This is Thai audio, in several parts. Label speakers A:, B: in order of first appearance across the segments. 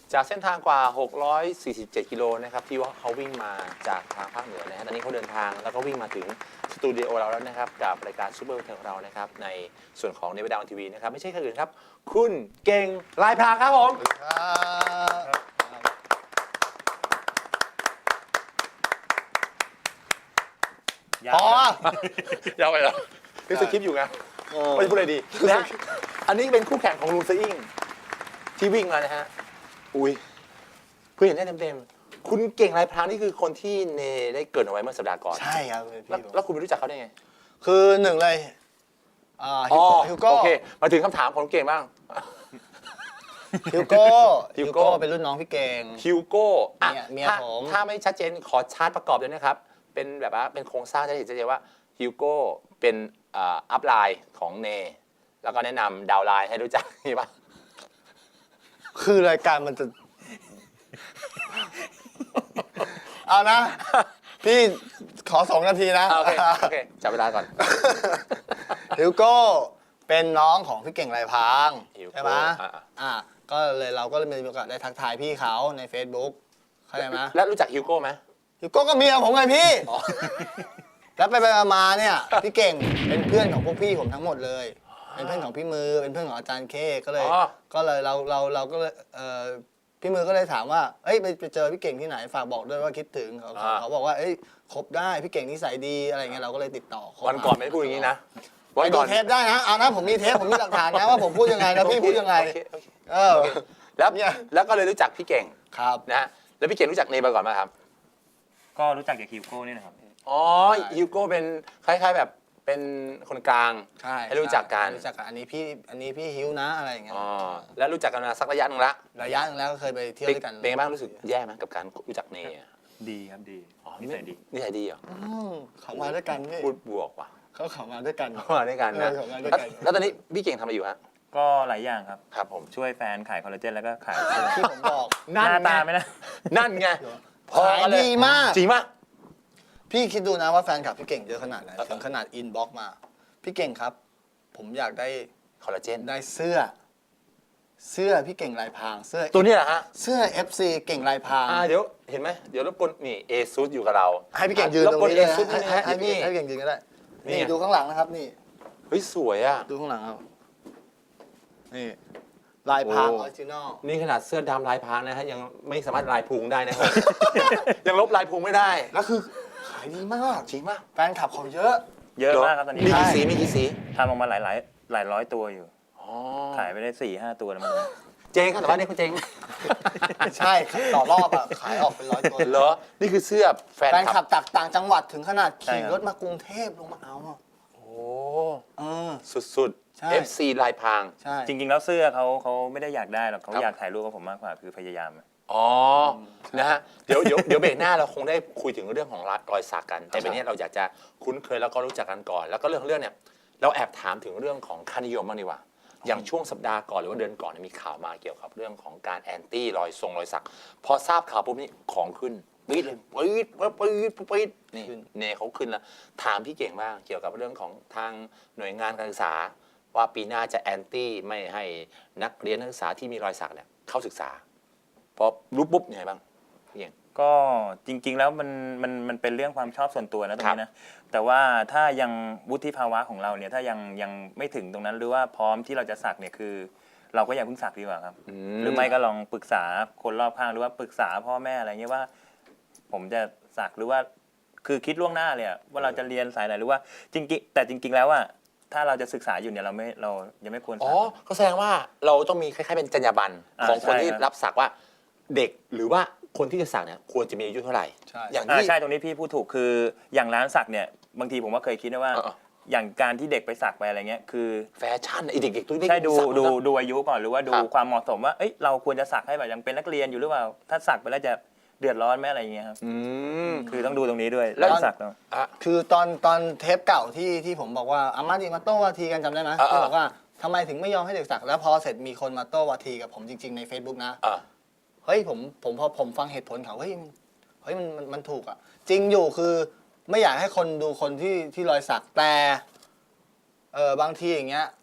A: จากเส้นทางกว่า 647 กิโลนะครับที่ว่าเขาวิ่งมาจากทางภาคเหนือนะฮะตอนนี้เขาเดินทางแล้วก็วิ่งมาถึงสตูดิโอเราแล้วนะครับกับรายการซูเปอร์เทของเรานะครับในส่วนของเนวิดาวทีวีนะครับไม่ใช่ใครอื่นครับคุณเก่งลายพรางครับผม
B: พอ
A: ยาวไปเหรอคือสคริปต์อยู่ไงไม่พูดอะไรดีนะอันนี้เป็นคู่แข่งของลุงสอิงที่วิ่งมานะฮะอุ้ยเพื่อเห็นได้เต็มๆคุณเก่งลายพรางนี่คือคนที่เนได้เกริดเอาไว้เมื่อสัปดาห์ก่อน
B: ใช่ครับ
A: แล้วคุณไปรู้จักเขาได้ไง
B: คือหนึ่งเลยฮิวโก้
A: โอเคมาถึงคำถามของเก่งบ้าง
B: ฮิวโก้เป็นรุ่นน้องพี่เก่ง
A: ฮิวโก้อ่ะ
B: เมียผม
A: ถ้าไม่ชัดเจนขอชาร์ตประกอบด้วยนะครับ เป็นแบบว่าเป็นโครงสร้างจะเห็นชัดเจนว่าฮิวโก้เป็นอัพไลน์ของเน แล้วก็แนะนำดาวไลน์ให้รู้จักนี่ปะ
B: คือรายการมันจะ เอานะ พี่ขอ2 นาทีนะ
A: โอเคจับเวลาก่อน
B: ฮิวโก้เป็นน้องของพี่เก่งลายพราง
A: ฮิวโก้
B: ใช่ไหม
A: อ่า
B: ก็เลยเราก็เลยมีโอกาสได้ทักทายพี่เขาใน Facebook เข้าใจไหม
A: แล้วรู้จักฮิวโก้ไหม
B: ฮิวโก้ก็เมียผมไงพี่ แล้วไปมาเนี่ยพี่เก่งเป็นเพื่อนของพวกพี่ผมทั้งหมดเลย เป็นเพื่อนของพี่มือเป็นเพื่อนของอาจารย์เคก็เลยเราก็เลยพี่มือก็เลยถามว่าเอ้ยไปเจอพี่เก่งที่ไหนฝากบอกด้วยว่าคิดถึงเขาบอกว่าเอ้ยคบได้พี่เก่งนิสัยดีอะไรเงี้ยเราก็เลยติดต่อเขา
A: วันก่อนไม่ได้พูดอย่างนี้นะ
B: ไปดูเทปได้นะเอานะผมมีเทปผมมีหลักฐานนะว่าผมพูดยังไงแล้วพี่พูดยังไง
A: โอเค
B: แล้วเนี่ย
A: แล้วก็เลยรู้จักพี่เก่ง
B: ครับ
A: นะฮะแล้วพี่เก่งรู้จักเนมาก่อนไหมครับ
C: ก็รู้จักจากฮิวโก้นี่นะครับ
A: อ๋อฮิวโก้เป็นคล้ายๆแบบเป็นคนกลาง
B: ใช่
A: ให้รู้จักกัน
B: รู้จักกันอันนี้พี่ฮิวนะอะไรอย่างเงี้ย
A: อ๋อแล้วรู้จักกันมาสักระยะหนึงละ
B: ระยะหนึงแล้วก็เคยไปเที่ยวด้วยกัน
A: เป็นไงบ้างรู้สึกแย่ไหมกับการรู้จักเนยอะ
C: ดีครับดี
A: อ๋อ
C: นิสัยดี
A: นิสัยดีเหรอ
B: เขามาด้วยกันพี่
A: พูดบวกว่ะ
B: เขามาด้วยกัน
A: มาด้วยกันนะ
B: เขามาด้วยกัน
A: แล้วตอนนี้พี่เก่งทำอะไรอยู่ฮะ
C: ก็หลายอย่างครับ
A: ครับผม
C: ช่วยแฟนขายคอลลาเจนแล้วก็ขาย
B: ที่ผมบอก
C: หน้าตาไม่นะ
A: นั่นไง
B: ขายดีมาก
A: จริงปะ
B: พี่คิดดูนะว่าแฟนคลับพี่เก่งเยอะขนาดไหนถึงขนาดอินบ็อกมา พี่เก่งครับ ผมอยากได้
A: คอลลาเจน
B: ได้เสื้อพี่เก่งลายพรางเสื้อ
A: ตัวนี้แหละฮะ
B: เสื้อ FC เก่งลายพราง
A: เดี๋ยวเห็นไหมเดี๋ยวรบกวนนี่เอซูอยู่กับเรา
B: ให้พี่เก่งยืนตรงนี้
A: เอ
B: เลย
A: ซูนี่นะฮะ
B: ให้พี่
A: นี่
B: เก่งยืนก็ได้
A: นี่
B: นี่ดูข้างหลังนะครับนี่
A: เฮ้ยสวยอ่ะ
B: ดูข้างหลังครับนี่ลายพรางอ
A: โอ้
B: อริจินอล
A: นี่ขนาดเสื้อดำลายพรางนะฮะยังไม่สามารถลายพุงได้นะครับ ยังลบลายพุงไม่ได้
B: แล้วคือขายดีมาก
A: จริงปะ
B: แฟนคลับเขาเยอะ
C: เยอะมากครับตอนนี้
A: มีกี่สีมีกี่สี
C: ทำออกมาหลายร้อยตัวอยู่
A: อ๋อ
C: ขายไปได้4-5 ตัวแล้วมั้ง
A: เจ๊งครับแต่ว่านี่คุณเจ๊ง
B: ใช่ต่อรอบอ่ะขายออกเป็น100 ตัว
A: เหรอนี่คือเสื้อแฟน
B: แฟน
A: ค
B: ค
A: ลั
B: ลั
A: บบ
B: จากต่างจังหวัดถึงขนาดขี่รถมากรุงเทพลงมาเอาอ่ะ
A: โอ้
B: เออ
A: สุด
B: ใช่
A: ๆ FC ลายพราง
B: ใช่
C: จริงๆแล้วเสื้อเขาไม่ได้อยากได้หรอกเขา
A: ครับ
C: อยากถ่ายรูปกับผมมากกว่าคือพยายาม
A: อ๋อนะฮะเดี๋ยวเบรกหน้าเราคงได้คุยถึงเรื่องของรอยสักกัน แต่เป็นนี้เราอยากจะคุ้นเคยแล้วก็รู้จักกันก่อน แล้วก็เรื่องเนี่ยเราแอบถามถึงเรื่องของค่านิยมบ้างดีกว่า อย่างช่วงสัปดาห์ก่อนหรือว่าเดือนก่อนเนยมีข่าวมาเกี่ยวกับเรื่องของการแอนตี้รอยสัก พอทราบข่าวปุ๊บนี่ของขึ้นปี๊ดเลยปี๊ดนี่เนเขาขึ้นแล้วถามพี่เก่งบ้างเกี่ยวกับเรื่องของทางหน่วยงานการศึกษา ว่าปีหน้าจะแอนตี้ไม่ให้นักเรียนนักศึกษาที่มีรอยสักเนี่ยเข้าศึกษาพอรู้ปุ๊บยังไงบ้างพี่เก่ง
C: ก็จริงๆแล้วมันเป็นเรื่องความชอบส่วนตัวนะตรงนี้นะแต่ว่าถ้ายังวุฒิภาวะของเราเนี่ยถ้ายังไม่ถึงตรงนั้นหรือว่าพร้อมที่เราจะสักเนี่ยคือ เราก็อย่าเพิ่งสักดีกว่าครับหรือไม่ก็ลองปรึกษาคนรอบข้างหรือว่าปรึกษาพ่อแม่อะไรเงี้ยว่า ผมจะสักหรือว่าคือคิดล่วงหน้าเลยว่าเราจะเรียนสายไหนหรือว่าจริงๆแต่จริง ๆ แล้วว่าถ้าเราจะศึกษาอยู่เนี่ยเรายังไม่ควร
A: อ๋
C: สั
A: อก ก็แสดงว่าเราต้องมีคล้ายๆเป็นจรรยาบรรณของคน
C: ใช่
A: ที่
C: ครับ
A: รับสักว่าเด็กหรือว่าคนที่จะสักเนี่ยควรจะมีอายุเท่าไหร่
B: ใช่
A: อย่างที่
C: ใช่ตรงนี้พี่พูดถูกคืออย่างร้านสักเนี่ยบางทีผมก็เคยคิดนะว่า อย่างการที่เด็กไปสักไปอะไรเงี้ยคือ
A: แฟชั่นไอเด็กๆตัวเล็ก
C: ใช่ดู
A: สัก
C: ดูอายุก่อนหรือว่าดู
A: ครับ
C: ความเหมาะสมว่าเอ้ยเราควรจะสักให้แบบยังเป็นนักเรียนอยู่หรือเปล่าถ้าสักไปแล้วจะเดือดร้อนไหมอะไรอย่างเงี้ยครับ
A: อืม
C: คือต้องดูตรงนี้ด้วย
A: แล้ว
C: ร้านสักเนาะ
A: อ่ะ
B: คือตอนเทปเก่าที่ผมบอกว่าอามาดีมาโต้วาทีกันจำได้ไหม
A: อ่า
B: ที่บอกว่าทำไมถึงไม่ยอมให้เด็กสักแล้วพอเสร็จมีคนมาโต้วาทีกับผมจริง ๆใน Facebook นะ
A: อ่ะ
B: เฮ้ยพอผมฟังเหตุผลเขาเฮ้ยมันถูกอ่ะจริงอยู่คือไม่อยากให้คนดูคนที่รอยสักแต่บางทีอย่างเงี้ยไป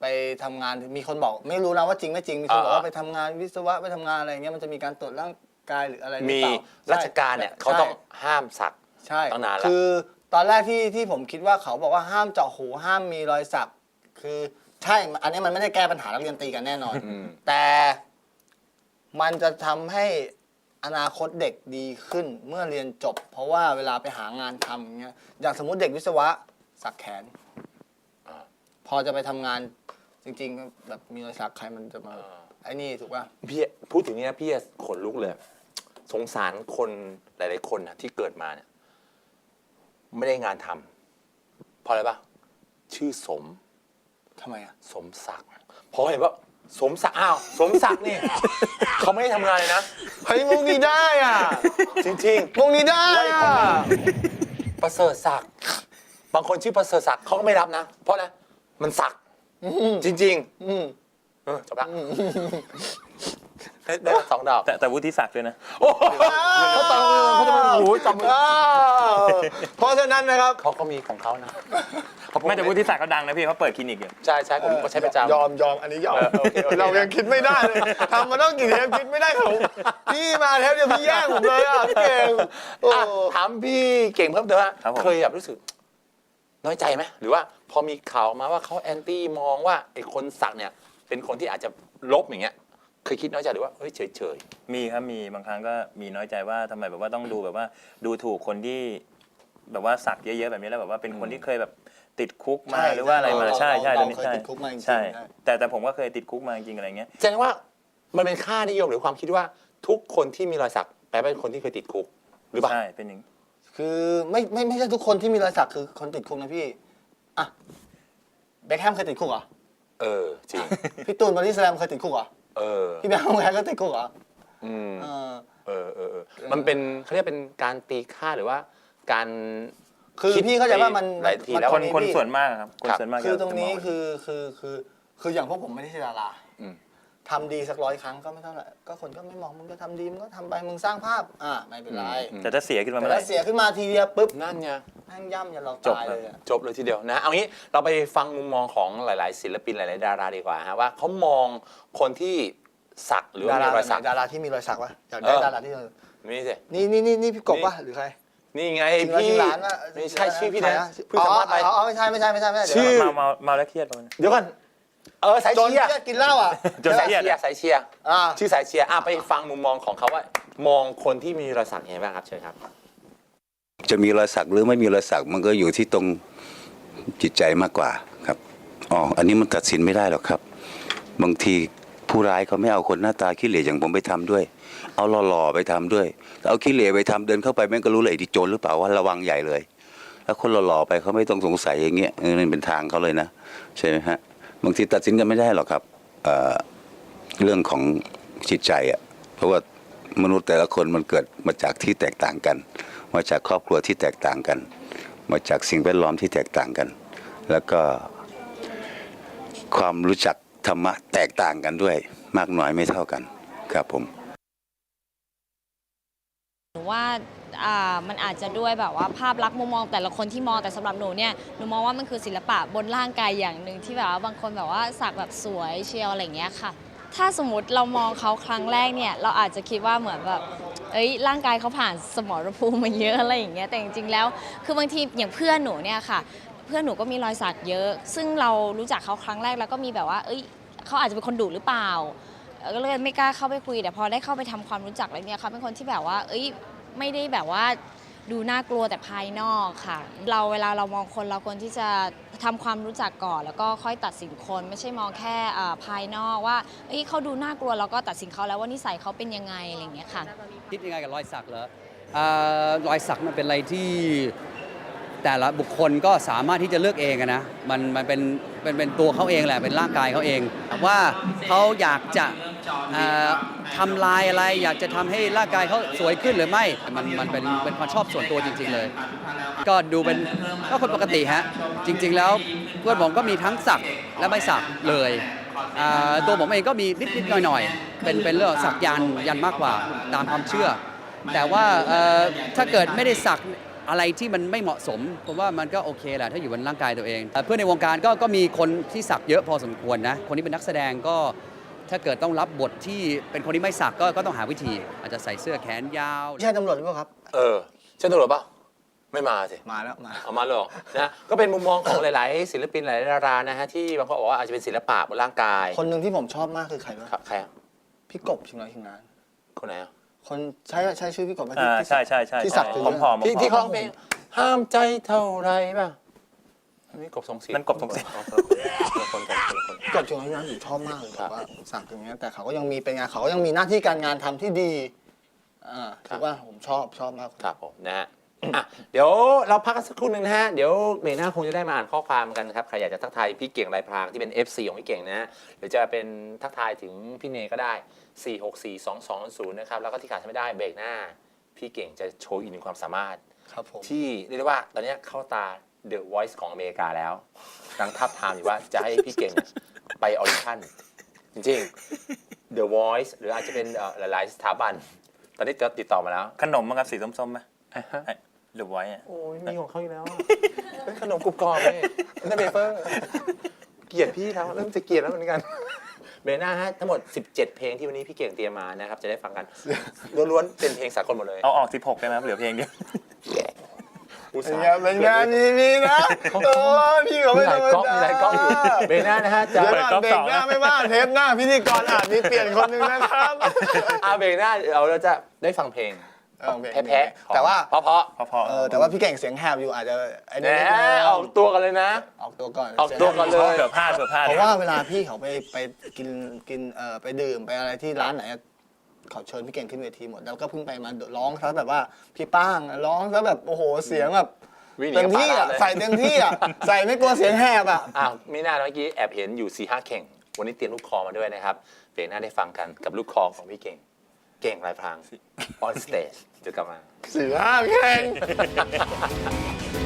B: ไปทำงานมีคนบอกไม่รู้นะว่าจริงไม่จริงมีคนบอก
A: อ่า
B: ว่าไปทำงานวิศวะไปทำงานอะไรเงี้ยมันจะมีการตรวจร่างกายหรืออะไรหรือ
A: มี
B: เปล่า
A: ราชการเนี่ยเขาต้องห้ามสัก
B: ใช่
A: ตั้งนานแล้ว
B: คือตอนแรกที่ผมคิดว่าเขาบอกว่าห้ามเจาะหูห้ามมีรอยสักคือใช่อันนี้มันไม่ได้แก้ปัญหานักเรียนตีกันแน่นอน แต่มันจะทำให้อนาคตเด็กดีขึ้นเมื่อเรียนจบ เพราะว่าเวลาไปหางานทำอย่างเงี้ยอย่างสมมุติเด็กวิศวะสักแขน พอจะไปทำงานจริงๆแบบมีรอยสักใครมันจะมาไอ้นี่ถูกป่ะ
A: พี่พูดถึงเนี้ยพี่ขนลุกเลย สงสารคนหลายๆคนนะที่เกิดมาเนี่ยไม่ได้งานทำเพราะอะไรปะชื่อสม
B: ทำไมอ่ะ
A: สมศักดิ์พอเห็นว่าสมศักดิ์อ้าวสมศักดิ์นี่ เขาไม่ได้ทำงานเลยนะ
B: เฮ้ยมุกนี้ได้อ่ะ
A: จริง
B: มุกนี้ได้
A: ไล่คน
B: อ่ะ
A: มา ๆ ประเสริฐศักดิ์บางคนชื่อประเสริฐศักดิ์เขาก็ไม่รับนะ เพราะนะมันศักดิ์จริง
B: อืม
A: ๆจบละได้สองดอก
C: แต่วุฒิศักดิ์ด้วยนะ
A: โอ้โหเขาตบมือเขาจะมาโอ้โหจับมือ
B: เพราะฉะนั้นนะครับ
A: เขาก็มีของเขานะ
C: ไม่แต่วุฒิศักดิ์เขาดังนะพี่เขาเปิดคลินิกอยู่
A: ใช่ใช่ผมก็ใช้ประจำ
B: ยอมอันนี้ยอม
A: โอเคโอเค
B: เรายังคิดไม่ได้เลยทำมาต้องกี่เทปคิดไม่ได้ของพี่มาเทปเดียวพี่แย่งผมเลยอ่ะพี่เก่งโอ้
A: อ่ะถามพี่เก่งเพิ่มเติมว่า
C: ครับผม
A: เคยแบบรู้สึก น้อยใจไหมหรือว่าพอมีข่าวมาว่าเขาแอนตี้มองว่าไอ้คนสักเนี่ย เป็นคนที่อาจจะลบอย่างเงี้ยเคยคิดน้อยใจหรือว่าเฮ้ยเฉย
C: มีครับมีบางครั้งก็มีน้อยใจว่าทำไมแบบว่าต้องดูแบบว่าดูถูกคนที่แบบว่าสักเยอะๆแบบนี้แล้วแบบว่าเป็นคนที่เคยแบบติดคุกมาหรือว่าอะไรมาใช่ใช่ตรงนี้
B: เคย
C: ใช่
B: ติดคุกมาจริงๆ
C: ใช่
B: ใช่
C: แต่ผมก็เคยติดคุกมาจริงๆอะไรเงี้ย
A: ๆแสดงว่ามันเป็นค่านิยมหรือความคิดว่าทุกคนที่มีรอยสักแปลว่าเป็นคนที่เคยติดคุกหรือเปล่า
C: ใช่เป็นอย่าง
B: คือไม่ใช่ทุกคนที่มีรอยสักคือคนติดคุกนะพี่อ่ะเบคแฮมเคยติดคุกเหรอ
A: เออจริง
B: พี่ตูนบอดี้สแลมเคยติดคุกเหรอ
A: เออ
B: พี่แบงค์แฮก็ติดคุกเหรอ
A: อืม
B: เออ
A: เออมันเป็นเขาเรียกเป็นการตีค่าหรือว่าการ
B: คือพี่เข้าใจว่ามัน
A: หลายทีแล้ว
C: คน
B: พี่
C: คนส่วนมากครับคนส่วนมาก
B: คือ
C: จะ
B: ตรงนี้
C: จะม
B: คืออย่างพวกผมไม่ได้ใช่ดารา
A: อืม
B: ทำดีสัก100 ครั้งก็ไม่เท่าไหร่ก็คนก็ไม่มองมึงก็ทำดีมึงก็ทำไปมึงสร้างภาพไม่เป็นไร
C: แต่ถ้าเสียขึ้นมา
B: แต่
C: เมื่อไห
B: ถ้า
C: ร่
B: เสียขึ้นมาทีเดียวปุ๊บ
A: นั่นไง
B: แม่งย่ำยันเรา
C: จบ
B: ตาย
C: ครับ
B: เลยอะ
A: จบเลยทีเดียวนะเอางี้เราไปฟังมุมมองของหลาย ๆ ศิลปินหลาย ๆ ดาราดีกว่าฮะว่าเขามองคนที่สักหรือว่ามีรอยสัก
B: ดาราที่มีรอยสักวะอยากได้
A: เออ
B: ดาราที่
A: นี่สิ
B: นี่พี่กบวะหรือใคร
A: นี่ไง
B: จริงแล้ว
A: พี่
B: ชื่อร้านว่า
A: ไม่ใช่ชื่อพี่
B: ใคร
A: นะเพิ่งสัมภาษณ์ไป
B: ไม่ใช่เดี๋ยว
A: ชื่อ
C: เมาแล้วเครียดประมาณนั้น
A: เดี๋ยวก่อนสาย
B: โดน
A: เชียร์
B: เครียดกินเหล้าอ่ะ
C: จน
A: สายเชียร์สายเชียร์
B: อ่า
A: ชื่อสายเชียร์ไปฟังมุมมองของเขาว่ามองคนที่มีรอยสักยังไงบ้างครับเชิญครับ
D: จะมีรอยสักหรือไม่มีรอยสักมันก็อยู่ที่ตรงจิตใจมากกว่าครับอันนี้มันตัดสินไม่ได้หรอกครับ บางทีผู้ร้ายเขาไม่เอาคนหน้าตาขี้เหร่อย่างผมไปทำด้วย เอาหล่อๆไปทำด้วยเอาขี้เหร่ไปทำเดินเข้าไปแม่งก็รู้เลยไอ้ที่โจรหรือเปล่าว่าระวังใหญ่เลย แล้วคนหล่อๆไปเขาไม่ต้องสงสัยอย่างเงี้ยนั่นเป็นทางเขาเลยนะใช่ไหมฮะบางทีตัดสินกันไม่ได้หรอกครับเรื่องของจิตใจอ่ะเพราะว่ามนุษย์แต่ละคนมันเกิดมาจากที่แตกต่างกัน มาจากครอบครัวที่แตกต่างกัน มาจากสิ่งแวดล้อมที่แตกต่างกัน แล้วก็ความรู้จักธรรมะแตกต่างกันด้วยมากน้อยไม่เท่ากันครับผม
E: หนูว่ามันอาจจะด้วยแบบว่าภาพลักษณ์มุมมองแต่ละคนที่มองแต่สำหรับหนูเนี่ยหนูมองว่ามันคือศิลปะบนร่างกายอย่างหนึ่งที่แบบว่าบางคนแบบว่าสักแบบสวยเชียวอะไรอย่างเงี้ยค่ะ ถ้าสมมติเรามองเขาครั้งแรกเนี่ยเราอาจจะคิดว่าเหมือนแบบร่างกายเขาผ่านสมรภูมิมาเยอะอะไรอย่างเงี้ยแต่จริงๆแล้วคือบางทีอย่างเพื่อนหนูเนี่ยค่ะเพื่อนหนูก็มีรอยสักเยอะ ซึ่งเรารู้จักเขาครั้งแรกแล้วก็มีแบบว่าเขาอาจจะเป็นคนดุหรือเปล่าก็เลยไม่กล้าเข้าไปคุยแต่พอได้เข้าไปทำความรู้จักอะไรเนี่ยเขาเป็นคนที่แบบว่าไม่ได้แบบว่าดูน่ากลัวแต่ภายนอกค่ะเวลาเรามองคนเราควรที่จะทำความรู้จักก่อนแล้วก็ค่อยตัดสินคนไม่ใช่มองแค่ภายนอกว่าเขาดูน่ากลัวแล้วก็ตัดสินเขาแล้วว่านิสัยเขาเป็นยังไงอะไรอย่างเงี้ยค่ะ
F: คิดยังไงกับรอยสักเหรอรอยสักมันเป็นอะไรที่แต่ละบุคคลก็สามารถที่จะเลือกเองอะนะมันเป็นตัวเขาเองแหละเป็นร่างกายเขาเองว่าเขาอยากจะทำลายอะไรอยากจะทำให้ร่างกายเขาสวยขึ้นหรือไม่มันเป็นความชอบส่วนตัวจริงๆเลย ก็ดูเป็นก็คนปกติฮะจริงๆแล้วเพื่อนผมก็มีทั้งสักและไม่สักเลยตัวผมเองก็มีนิดๆหน่อยๆเป็นเรื่องสักยันมากกว่าตามความเชื่อ แต่ว่าถ้าเกิดไม่ได้สักอะไรที่มันไม่เหมาะสมผมว่ามันก็โอเคแหละถ้าอยู่บนร่างกายตัวเองเพื่อนในวงการก็มีคนที่สักเยอะพอสมควรนะคนที่เป็นนักแสดงก็ถ้าเกิดต้องรับบทที่เป็นคนที่ไม่สักก็ต้องหาวิธีอาจจะใส่เสื้อแขนยาว
B: ใช่ตำรวจหรือเปล่าครับ
A: ใช่ตำรวจป่ะไม่มาสิ
B: มาแล้วมา
A: เอามาเลยเหรอนะก็เป็นมุมมองของหลายๆศิลปินหลายๆดารานะฮะที่บางคนบอกว่าอาจจะเป็นศิลปะบนร่างกาย
B: คนหนึ่งที่ผมชอบมากคือใครวะ
A: ครับใครอะ
B: พี่กบชิงร้อยชิงล้าน
A: คนไหนอะ
B: คนใช้ชื่อพี่กบไหม
C: อ่า
B: ที่
C: ใช่ใช่ใช่
B: ที่สักถึง
C: ผอมๆ
A: ที่เขาร้องเพลงห้ามใจเท่าไรป่ะนี่กบทรงศิษย์
C: นั่นกบทรงศิษย์
A: อ๋อคนละคนกันคนละคน
B: พี่กบชิงร้อยชิงล้านผมชอบมากเลย
A: ครับ
B: แบบว่าสักอย่างเงี้ยแต่เขาก็ยังมีเป็นงานเขาก็ยังมีหน้าที่การงานทำที่ดีถือว่าผมชอบมาก
A: ครับผมนะฮะอ่ะเดี๋ยวเราพักกันสักครู่หนึ่งนะฮะเดี๋ยวเบรกหน้าคงจะได้มาอ่านข้อความกันครับใครอยากจะทักทายพี่เก่งลายพรางที่เป็น FC ของพี่เก่งนะฮะหรือจะเป็นทักทายถึงพี่เนก็ได้ 4642200 นะครับแล้วก็ที่ขาดไม่ได้เบรกหน้า พี่เก่งจะโชว์อีกหนึ่งความสามารถ
B: ครับผม
A: ที่เรียกได้ว่าตอนนี้เข้าตา The Voice ของอเมริกาแล้วกำลังทับทามอยู่ว่าจะให้พี่เก่งไปออดิชั่นจริงๆ The Voice หรืออาจจะเป็นหลายๆสถาบัน ตอนนี้จะติดต่อมาแล้ว
C: ขนมมั้งครับสีส้มๆไหมหรือไว้อะ
A: โอ้ยมีของเขาอยู่แล้วอะเป็นขนมกรุบกรอบเลยเป็นเบเปอร์เกลียดพี่แล้วเริ่มจะเกลียดแล้วเหมือนกันเบรกหน้าฮะทั้งหมด 17 เพลงที่วันนี้พี่เก่งเตรียมมานะครับจะได้ฟังกันล้วนๆเป็นเพลงสากลหมดเลย
C: เอาออก16ได้ไหมครับเหลือเพลงเดียว
A: อุต
B: เป็น
A: ส่าห์
B: ไงมีนะโอ้ยพี่เขา
A: มี
B: ไม่
A: ห
B: ธ
A: ลาร ย
B: รม
A: ก๊อกมี
B: ดา
A: หลายก๊อกอยู่เบรกหน้านะฮะจะ
B: เดี๋ยวก่อนเบรกหน้าไม่ว่าเทปหน้าพิธีกรอาจมีเปลี่ยนคนหนึ่งนะครับ
A: เบรกหน้าเราจะได้ฟังเพลงแพ้ๆ
B: แต่ว่า
A: เพราะ
C: พอ
B: แต่ว่าพี่เก่งเสียงแหบอยู่อาจจะไอ้
A: แห
B: นี่นิดนึง
A: มออกตัวกันเลยนะ
B: ออกตัวก่อน
A: ออกตัวก่อนเลย
C: เผื่อพลาด
B: เพราะว่าเวลาพี่เขาไปกินไปดื่มไปอะไรที่ร้านไหนเขาเชิญพี่เก่งขึ้นเวทีหมดแล้วก็เพิ่งไปมาร้องซะแบบว่าพี่ป้างร้องซะแบบโอ้โหเสียงแบบ
A: วิ่งหนี
B: เต็มที่
A: กับ
B: อ่ะ
A: ปาราเลย
B: ใส่เต็มที่อ่ะใส่ไม่กลัวเสียงแหบอ่ะ
A: มีหน้าเมื่อกี้แอบเห็นอยู่ 4-5 เข่ง วันนี้เตรียมลูกคอมาด้วยนะครับเบรกหน้าได้ฟังกันกับลูกคอของพี่เก่ง เก่งลายพราง on stage จะกลับมา
B: 4-5 แข่ง